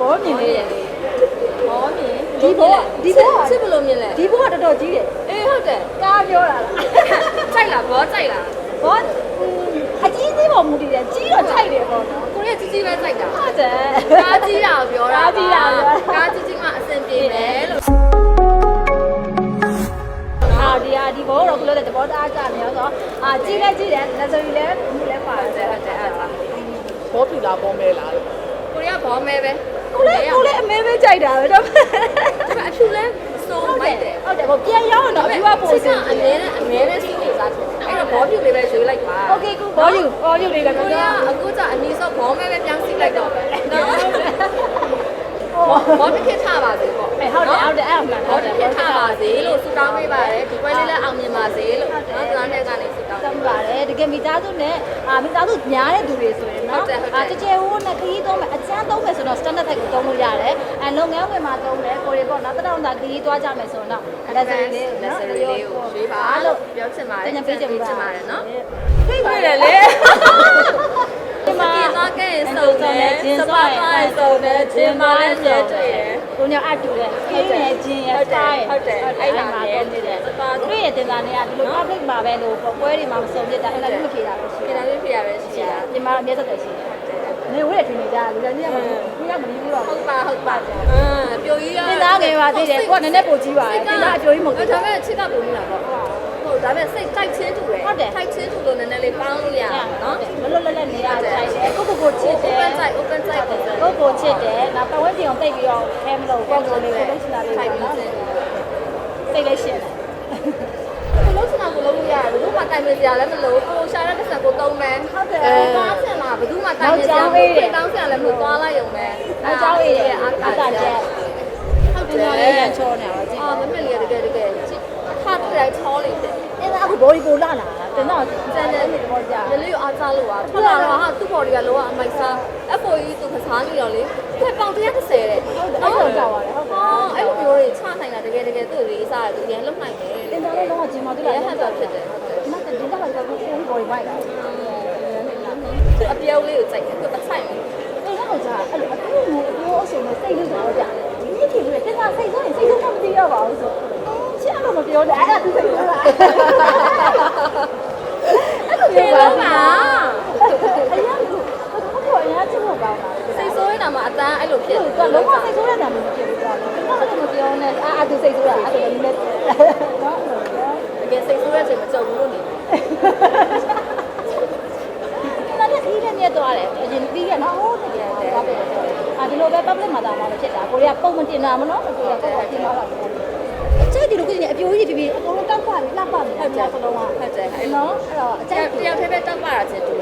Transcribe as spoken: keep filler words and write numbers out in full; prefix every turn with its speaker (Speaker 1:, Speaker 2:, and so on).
Speaker 1: ဘောမြင်နေတယ်
Speaker 2: ဘောမြင်
Speaker 1: ဒီဘောဒီဘော
Speaker 2: ချစ်ဘလို့မြင်လဲ
Speaker 1: ဒီဘောကတော်တော်ကြီးတယ်
Speaker 2: အေးဟုတ်တယ်
Speaker 1: ကားပြောတာလား
Speaker 2: ကြိုက်လားဘောကြိုက်လား
Speaker 1: ဘောအကြီးသေးပေါ်မူတည်တယ်ကြီးတော့ခြိုက်တယ်ပေါ့နော်
Speaker 2: ကိုရီးယားကြီးကြီးပဲကြိုက်တာ
Speaker 1: ဟုတ်တယ်
Speaker 2: ကားကြီးတာပြောတာ
Speaker 1: ကားကြီးတာ
Speaker 2: ကားကြီးကြီးမှအဆင်ပြေမယ်လို့
Speaker 1: အာဒီအာဒီဘောတော့ကလို့တဲ့ဘောတအားကြနေရောဆိုအာကြီးလည်းကြီးတယ်လက်စုပ်လည်းမူလည်းပါတယ်
Speaker 2: ဟုတ်တယ်အဲ့ဒါ
Speaker 3: ဘောပြူလားဘောမဲလားလို့
Speaker 2: ကိုရီးယားဘောမဲပဲ
Speaker 1: ကိုလည်းကိုလည်းအမဲမဲကြိုက်တာပဲတော့
Speaker 2: အဖြူလဲစိုးမိုက်တယ်
Speaker 1: ဟုတ်တယ်ဘောပြန်ရောက်တော့အဖြူကပိုစင်
Speaker 2: အမြဲတမ်းအမြဲတမ်းစီးနေစားတယ်အဲ့တော့ဘောဖြူလေးပဲရွေးလိုက်ပါ
Speaker 1: โอเคကူဘောယူဘောယူလေးလည်း
Speaker 2: ကိုရီးယားအခုကျအမီဆော့ဘောမဲပဲပြောင်းစီးလိုက်တော့ပဲနော်ဘောတစ်ခေတ်ထားပါစေပေါ့
Speaker 1: ဟုတ်တယ်ဟုတ်တယ်အဲ့အမှန်
Speaker 2: ဘောတစ်ခေတ်ထားပါစေလို့ဆုတောင်းပေးပါတယ်ဒီပွဲလေးလည်းအောင်မြင်ပါစေလို့နော်ကျွန်တော်နဲ့ကနေဆုတောင်း
Speaker 1: တောင်းပါတယ်တကယ်မိသားစုနဲ့အာမိသားစုညားတဲ့သူတွေဆိုရင်နော်အာကြဲကြဲဟိုးနဲ့ခရီးသုံးမယ်အချမ်းသုံးမယ်ဆိုတော့ standard type ကိုသုံးလို့ရတယ်အဲလုပ်ငန်းဝင်မှာသုံးတယ်ကိုရီပေါ့နော်တတောင်သာခရီးသွားကြမယ်ဆိုတော့လက်စရီလေး
Speaker 2: လက်စရီလေးကိုရွေးပါလို့ပြောချင်ပါတယ်
Speaker 1: ညပေးချင်
Speaker 2: ပါတယ်နော်
Speaker 1: ဖိတ်ရတယ်လေ
Speaker 2: ဒီမှာတော့ကဲစုံတယ်စပါးတိုင်းစုံတယ်ဂျင်းမလည်းကျဲတွေ့ရယ်
Speaker 1: ကိုညအတူတယ်ခင်းရဂျင်းရစားရ
Speaker 2: ဟုတ်တယ်အဲ့ဒါလည်းနေတယ်စပါး
Speaker 1: သူရဲ့တင်သားတွေကဒီလို public မှာပဲလို့ပွဲတွေမှာမစုံပြတာအဲ့ဒါလည်းမဖြေတာပဲရှိ
Speaker 2: တယ်။ဒါလည်းဖြေရပဲရှိတာ
Speaker 1: ။ဒီမှာအမြဲတမ်းရှိတယ်။နေဝဲထင်နေကြလူလည်းနေရမှာဘူးရမနေဘူးတော့
Speaker 2: ဟုတ်ပါဟုတ်ပါအင်းပြိုကြီးရ
Speaker 1: တင်သားငယ်ပါသေးတယ်ကိုကနည်းနည်းပိုကြီးပါတယ်တင်သားအပြိုကြီးမဟုတ်ဘူး
Speaker 2: ဒါပေမဲ့ချစ်ကပုံနေတာပေါ့ဟုတ်ဒါပေမဲ့စိတ်တိုက်ချင်းတူတယ်တိုက်ချင်းတူလို့နည်းနည်းလေးပေါင်းလို့ရနော်
Speaker 1: မလွတ်လပ်လပ်နေရဆိုင်တယ်ကိုကိုကိုချစ်တယ်
Speaker 2: open side open side
Speaker 1: ကိုကိုချစ်တယ်နောက်ပတ်ဝန်းကျင်ကိုတိတ်ပြီးတော့ခဲမလို့ကိုကိုလေးကိုလုံးချင်တာလေးပေါ့နော်စိတ်လေးရှင်း
Speaker 2: တယ်လုံးချင်တာကိုလုံးလို့ရတယ်ဘယ်သူမှတိုင်မစရာလည်းမလိုကိုရှာတဲ့ပတ်စံကိုတုံးမယ်
Speaker 1: ဟုတ်တယ်
Speaker 2: သွားချင်တာဘယ်သူမှတိုင်မစရာဘူးတောင်းစရာလည်းမလိုသွားလိုက်ရုံပဲ
Speaker 1: နောက်ကျောင်းအေးရဲ့အာကာချက်
Speaker 2: ဟုတ်တယ်
Speaker 1: လေးရချောနေပါကြည့်
Speaker 2: အာမမလေးတကယ်တကယ်ထားတွေ့တိုင်းချောလေးတယ်
Speaker 1: အဲ့ဒါအခုဘော်ဒီပိုလာလာတင်တော့စံတယ်နေတော့ကြာ
Speaker 2: ရလေးအားစားလို့ပါထွက်လာတော့ဟာသူ့ဘော်ဒီကလောကအမိုက်စား F O E သူကစားနေတော့လေသူပေါင်တစ်တစ်ဆယ်တဲ့
Speaker 1: ဟုတ်တယ်အဲ့လိုကြောက်ပါတယ်ဟုတ်တယ်
Speaker 2: အဲ့လိုမျိုးတွေချနိုင်တာတကယ်တကယ်သူ့လေးစားတယ်သူပြန်လုံနိုင်တယ်
Speaker 1: တင်တော့လည်းတော့ဂျင်မာတူလာ
Speaker 2: ရဟတ်တော့ဖြစ်တယ်
Speaker 1: ဒီမှာတင်တော့လည်းကိုကိုဘော်ဒီမိုက်လာ
Speaker 2: အပြောင်းလေးကိုစိုက်တယ်သူအဆိုင်
Speaker 1: အဲ့တော့ကြာအဲ့လိုအပြိုးမျိုးအပြိုးအစုံနဲ့စိတ်လေးတော့ကြာဒီနေ့ဒီလိုတင်တာစိတ်ဆိုရင်စိတ်ဆိုမသိရပါဘူးဆိုချစ်အောင်မပြောနဲ့အဲ့ဒါသူစိတ်ဆိုလားအဲ့လိုပြောပါအရင်ကဘယ်လိုအရင်ချစ်ဖို့ကောင်းတာ
Speaker 2: စိတ်ဆိုးနေတာမှအတန်းအဲ့လိုဖြစ်
Speaker 1: တယ်လုံးဝစိတ်ဆိုးနေတာမဖြစ်ဘူးကွာတော့လည်းမပြောနဲ့အာအတူစိတ်ဆိုးတာအဲ့လိုလည်းနော်
Speaker 2: တကယ်စိတ်ဆိုးရချိန်မကြုံဘူးလို့နေ
Speaker 1: တယ်ဒါလည်းဒီလည်းမြတ်သွားတယ်အရင်ပြီးရနော်ဟုတ်တယ်ဟုတ်တယ်အာဒီလိုပဲ public မှာတာမှဖြစ်တာကိုရီးယားပုံမတင်တာမနော်ကိုရီးယားပုံတင်တော့တာအကျိုးဒီလိုကိနေအပြိုးကြီးဖြစ်ပြီးအကုန်လုံးတောက်ပါပြီလှပပြီ
Speaker 2: ဟုတ်တယ်
Speaker 1: စလုံးက
Speaker 2: ဟုတ်တယ်
Speaker 1: နော်အဲ့တော့အကျိုး
Speaker 2: တယောက်တည်းပဲတောက်ပါတာချင်းတူတ